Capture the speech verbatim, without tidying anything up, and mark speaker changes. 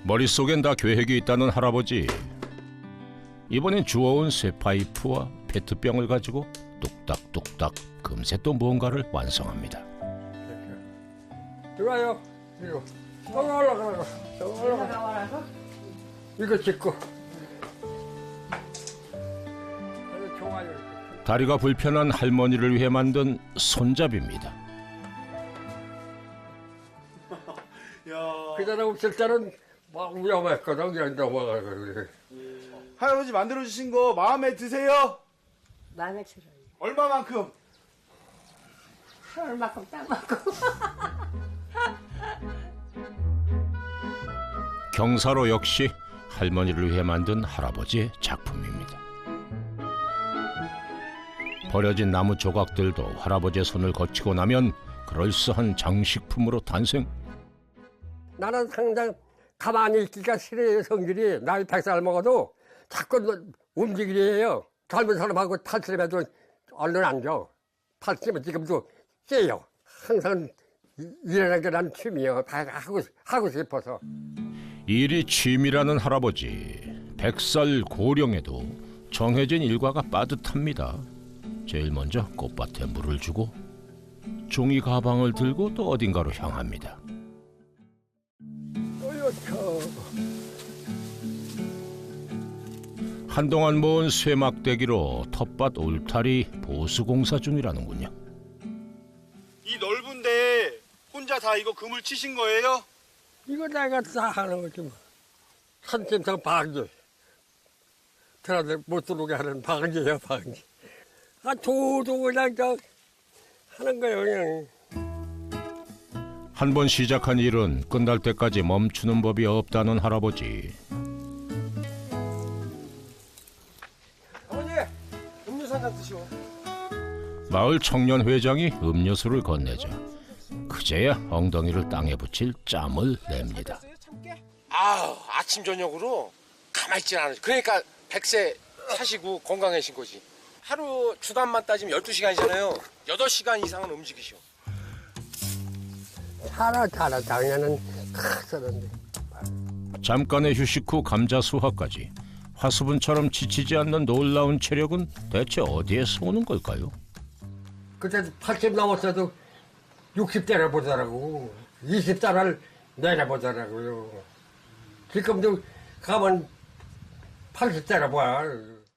Speaker 1: 머릿속엔 다 계획이 있다는 할아버지. 이번엔 주워온 쇠파이프와 페트병을 가지고 뚝딱뚝딱 금세 또 무언가를 완성합니다.
Speaker 2: 들어와요. 이거. 올라가, 올라가. 올라가. 이거 찍고. 좋아요.
Speaker 1: 다리가 불편한 할머니를 위해 만든 손잡이입니다.
Speaker 2: 그 전에 없을 때는 막 위험했거든. 그냥 넘어가고.
Speaker 3: 할아버지 만들어주신 거 마음에 드세요?
Speaker 4: 마음에 들어요.
Speaker 3: 얼마만큼?
Speaker 4: 얼마큼 땅만큼.
Speaker 1: 경사로 역시 할머니를 위해 만든 할아버지의 작품입니다. 버려진 나무 조각들도 할아버지의 손을 거치고 나면 그럴싸한 장식품으로 탄생.
Speaker 2: 나는 항상 가만히 있기가 싫어요. 성질이. 나이 백 살 먹어도 자꾸 움직이래요. 젊은 사람하고 탈출해도 얼른 앉아. 탈출하면 지금도 깨요. 항상 일하는 게 난 취미예요. 다 하고, 하고 싶어서.
Speaker 1: 일이 취미라는 할아버지. 백살 고령에도 정해진 일과가 빠듯합니다. 제일 먼저 꽃밭에 물을 주고 종이 가방을 들고 또 어딘가로 향합니다. 한동안 모은 쇠막대기로 텃밭 울타리 보수공사 중이라는군요.
Speaker 3: 이 넓은데 혼자 다 이거 그물 치신 거예요?
Speaker 2: 이거 내가 다 하는 거지 뭐. 산짐승 방지. 들어들 못 들어오게 하는 방지예요, 방지. 아, 도도 그냥 저 하는 거예요, 그냥.
Speaker 1: 한 번 시작한 일은 끝날 때까지 멈추는 법이 없다는 할아버지.
Speaker 3: 아버지, 음료수 한 잔 드시오.
Speaker 1: 마을 청년회장이 음료수를 건네자 그제야 엉덩이를 땅에 붙일 짬을 냅니다.
Speaker 5: 아, 아침 저녁으로 가만히 있질 않아요. 그러니까 백세 사시고 건강해진 거지. 하루 주간만 따지면 열두 시간이잖아요. 여덟 시간 이상은 움직이셔.
Speaker 2: 살아, 살아. 작년은 크었는데.
Speaker 1: 잠깐의 휴식 후 감자 수확까지 화수분처럼 지치지 않는 놀라운 체력은 대체 어디에서 오는 걸까요?
Speaker 2: 그때 팔십 넘었어도 육십 대를 보더라고. 이십 대를 내려보더라고요. 지금도 가면 팔십 대를 봐.